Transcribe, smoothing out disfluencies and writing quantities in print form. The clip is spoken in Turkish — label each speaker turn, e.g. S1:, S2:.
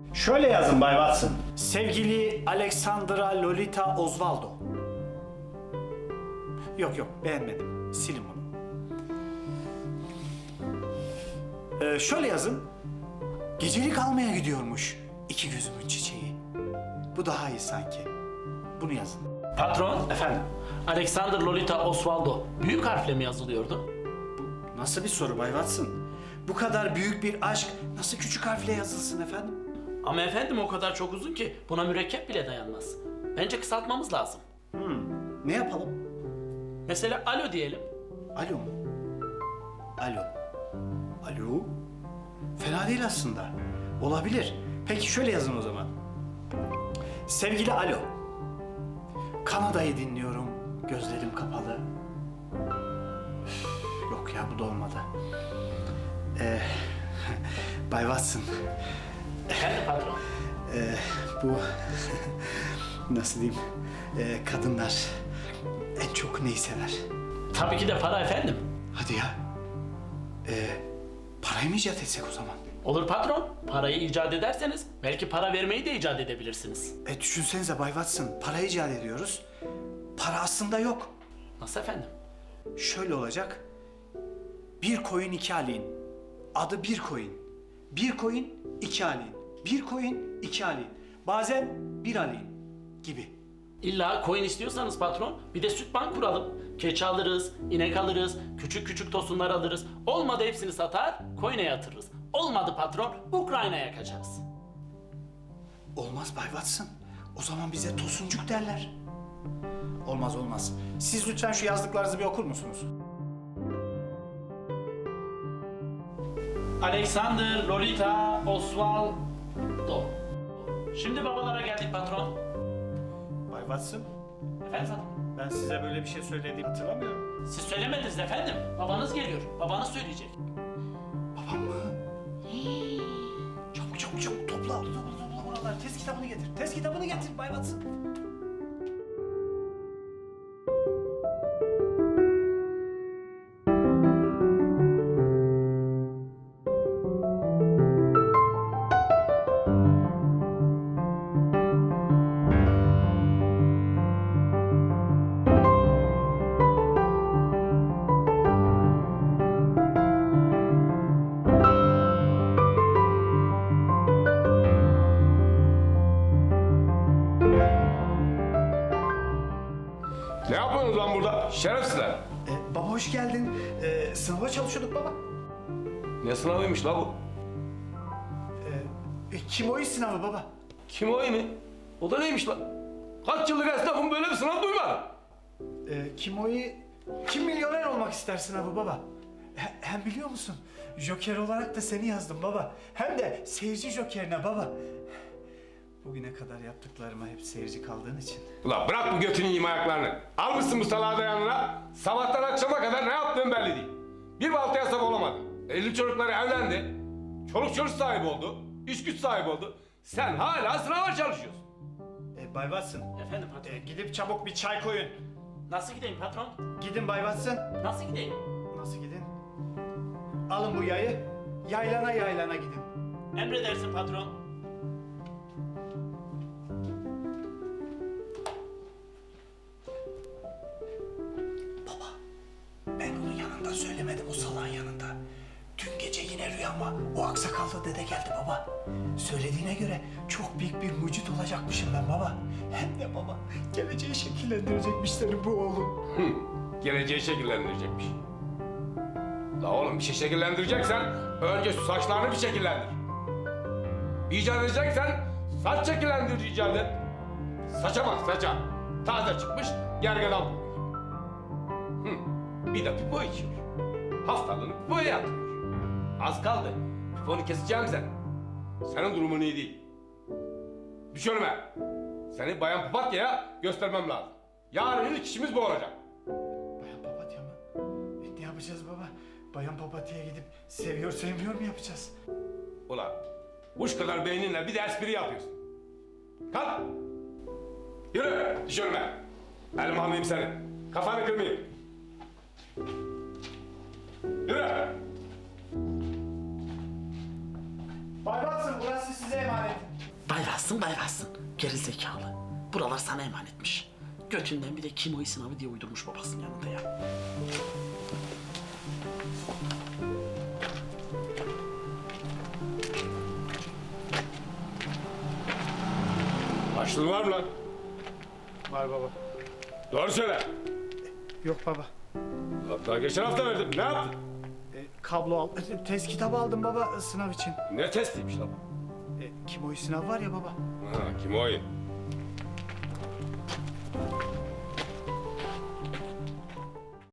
S1: Şöyle yazın Bay Watson. Sevgili Alexandra Lolita Osvaldo. Yok beğenmedim. Silin bunu. Şöyle yazın. Gecelik almaya gidiyormuş. İki gözümün çiçeği. Bu daha iyi sanki. Bunu yazın.
S2: Patron,
S1: Efendim?
S2: Alexander Lolita Osvaldo büyük harfle mi yazılıyordu?
S1: Nasıl bir soru Bay Watson? Bu kadar büyük bir aşk nasıl küçük harfle yazılsın efendim?
S2: Ama efendim o kadar çok uzun ki buna mürekkep bile dayanmaz. Bence kısaltmamız lazım.
S1: Ne yapalım?
S2: Mesela alo diyelim.
S1: Alo mu? Alo. Alo? Fena değil aslında. Olabilir. Peki şöyle yazın o zaman. Sevgili Alo. Kanada'yı dinliyorum. Gözlerim kapalı. Üf, yok ya bu da olmadı. Bay Watson.
S2: Efendim patron.
S1: Bu nasıl diyeyim? Kadınlar en çok neyi sever?
S2: Tabii ki de para efendim.
S1: Hadi ya. Parayı mı icat etsek o zaman?
S2: Olur patron. Parayı icat ederseniz belki para vermeyi de icat edebilirsiniz.
S1: Düşünsenize Bay Watson, para icat ediyoruz. Para aslında yok.
S2: Nasıl efendim?
S1: Şöyle olacak. Bir koyun iki alin. Adı bir koyun. Bir koyun iki alin. Bir koyun iki alin. Bazen bir alin gibi.
S2: İlla coin istiyorsanız patron bir de süt bank kuralım. Keçi alırız, inek alırız, küçük küçük tosunlar alırız. Olmadı hepsini satar, coin'e yatırırız. Olmadı patron, Ukrayna'ya kaçarız.
S1: Olmaz Bay Watson. O zaman bize tosuncuk derler. Olmaz. Siz lütfen şu yazdıklarınızı bir okur musunuz?
S2: Alexander Lolita Osvaldo. Şimdi babalara geldik patron.
S1: Bay Watson,
S2: Efendim?
S1: ben size böyle bir şey söylediğimi hatırlamıyorum.
S2: Siz söylemediniz efendim. Babanız geliyor. Babanız söyleyecek.
S1: Babam mı? Çabuk topla buraları. Test kitabını getir Bay Watson.
S3: Ne yapıyorsunuz lan burada? Şerefsizler.
S1: Baba hoş geldin. Sınava çalışıyorduk baba.
S3: Ne sınavıymış la bu?
S1: Kimoyi sınavı baba.
S3: Kim o mi? O da neymiş lan? Kaç yıllık esnafım böyle bir sınav duymadım.
S1: Kimoyi kim milyoner olmak ister sınavı baba. Hem biliyor musun? Joker olarak da seni yazdım baba. Hem de seyirci jokerine baba. Bugüne kadar yaptıklarıma hep seyirci kaldığın için.
S3: Ulan bırak bu götünü yiyeyim ayaklarını. Almışsın bu salağı da yanına. Sabahtan akşama kadar ne yaptığın belli değil. Bir baltaya sap olamadın. Evli çocukları evlendi. Çoluk çocuk sahibi oldu. İş güç sahibi oldu. Sen hala sınava çalışıyorsun.
S1: Bay Watson,
S2: Efendim patron.
S1: gidip çabuk bir çay koyun.
S2: Nasıl gideyim patron?
S1: Gidin Bay Watson.
S2: Nasıl gideyim?
S1: Nasıl gidin? Alın bu yayı. Yaylana gidin.
S2: Emredersin patron.
S1: Ben onun yanında söylemedim, o salağın yanında. Dün gece yine rüyama o aksakallı dede geldi baba. Söylediğine göre çok büyük bir mucit olacakmışım ben baba. Hem de baba, geleceği şekillendirecekmiş senin bu oğlun.
S3: Geleceği şekillendirecekmiş. La oğlum bir şey şekillendireceksen önce şu saçlarını bir şekillendir. İcat edeceksen saç şekillendirici icat et. Saça bak saça. Taze çıkmış gergedan bulmuş. Bir de pipo içiyor. Haftalığını pipoya yatırıyor. Az kaldı. Piponu keseceğim sen. Senin durumun iyi değil. Düş önüme. Seni bayan papatyaya göstermem lazım. Yarın ilk işimiz bu olacak.
S1: Bayan papatya mı? Ne yapacağız baba? Bayan papatya'ya gidip seviyor sevmiyor mu yapacağız?
S3: Ulan kuş kadar beyninle bir de espri yapıyorsun. Kalk. Yürü düş önüme. Elim almayayım seni. Kafanı kırmayayım. Yürü.
S1: Bay Watson, burası size emanet.
S2: Kalsın bayraşsın. Geri zekalı. Buralar sana emanetmiş. Götünden bir de kimoy sınavı diye uydurmuş babasının yanında ya.
S3: Açlığın var mı lan?
S1: Var baba.
S3: Doğru söyle.
S1: Yok baba.
S3: Daha geçen hafta verdim. Ne yaptın?
S1: Kablo al. Test kitabı aldım baba sınav için.
S3: Ne testiymiş lan?
S1: Kimoy sınav var ya baba.
S3: Ha, kim o oyun?